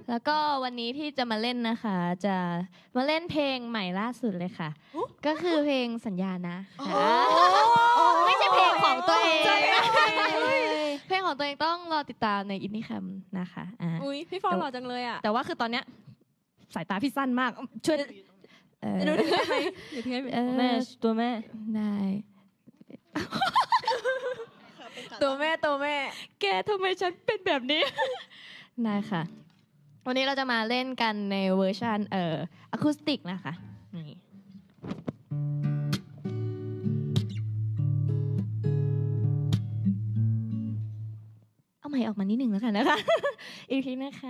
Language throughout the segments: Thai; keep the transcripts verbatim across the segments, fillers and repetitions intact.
แล้วก็วันนี้ที่จะมาเล่นนะคะ จะมาเล่นเพลงใหม่ล่าสุดเลยค่ะ ก็คือเพลงสัญญานะค่ะไม่ใช่เพลงของตัวเองเพลงของตัวเองต้องรอติดตามในอินนี่คัมนะคะอ่าอุ้ยพี่ฟองหล่อจังเลยอ่ะแต่ว่าคือตอนเนี้ยสายตาพี่สั้นมากช่วยเออดูได้ไหมเดี๋ยวทิ้งให้เออแม่ตัวแม่ได้ตัวแม่ตัวแม่แกทำไมฉันเป็นแบบนี้ ได้ค่ะ วันนี้เราจะมาเล่นกันในเวอร์ชันเอ่ออะคูสติกนะคะนี่เอาใหม่ออกมานิดหนึ่งแล้วกันนะคะ อีกทีนะคะ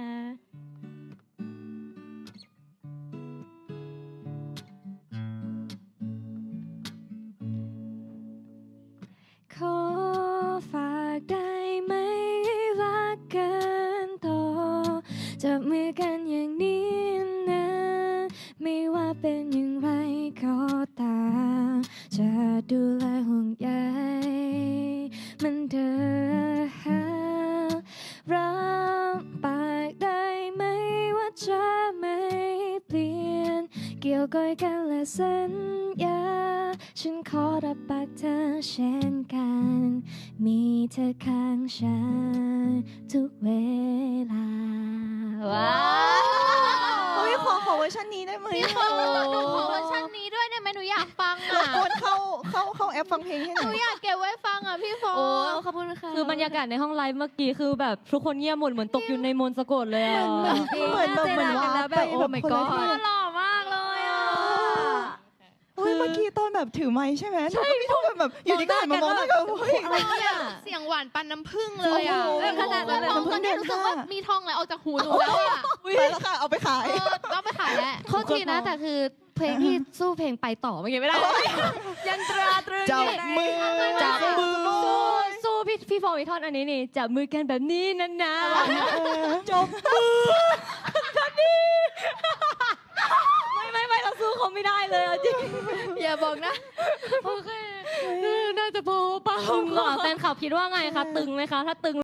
ขอฝากได้ไหมรักกันต่อจับมือกันอย่างนี้นะไม่ว่าเป็นอย่างไรก็ตามจะดูแลห่วงใยมันเดิมรับปากได้ไหมว่าจะไม่เปลี่ยนเกี่ยวก้อยกันและสัญญาฉันขอรับปากเธอเช่นกันมีเธอข้างฉันทุกเวลาว้าวเฮ้ยขอขอเวอร์ชันนี้ได้ไหมขอเวอร์ชันนี้ด้วยได้ไหมหนูอยากฟังรบอ่ะกวนเข้าเข้าเข้าแอปฟังเพลงให้หหน่นูอยอยากเก็บไว้ฟังอ่ะพี่ฟอโอ้งขอบคุณค่ะคือบรรยากาศในห้องไลฟ์เมื่อกี้คือแบบทุกคนเงียบหมดเหมือนตกอยู่ในมนต์สะกดเลยอ่ะเหมือนแบบเหมือนว่าแล้วแบบไปโอ้แบบ my คนละ god ที่หล่อมากเลยอ่ะเฮ้ยเมื่อกี้ตอนแบบถือไม้ใช่ไหมใช่พี่ทุกคนแบบอยู่ดีก็หันมามองหน้ากันเฮ้ยอะไรเนี่ยเสียงหวานปันน้ำผึ้งเลยอ่ะโอ้โหขนาดนั้นเลยน้ำผึ้ตอง นนี้รู้สึกว่าเดือนห้ามีมีทองไหลออกจากหูหนูแล้วอ่ะไปแล้วค่ะเอาไปขายเออต้องไปขายแล้วโทษทีนะแต่คือเพลงที่สู้เพลงไปต่อเมื่อกี้ไม่ได้ยันตราตรึงจับมือจับมือสู้สู้สู้พี่พี่ฟองอีกท่อนอันนี้นี่จับมือกันแบบนี้นะนะจบมือไม่ไม่ไม่เราสู้เขาไม่ได้เลยอะจริงอย่าบอกนะ โอเค น่าจะพอเปล่าตึงเหรอแฟนคลับคิดว่าไงคะตึงไหมคะถ้าตึง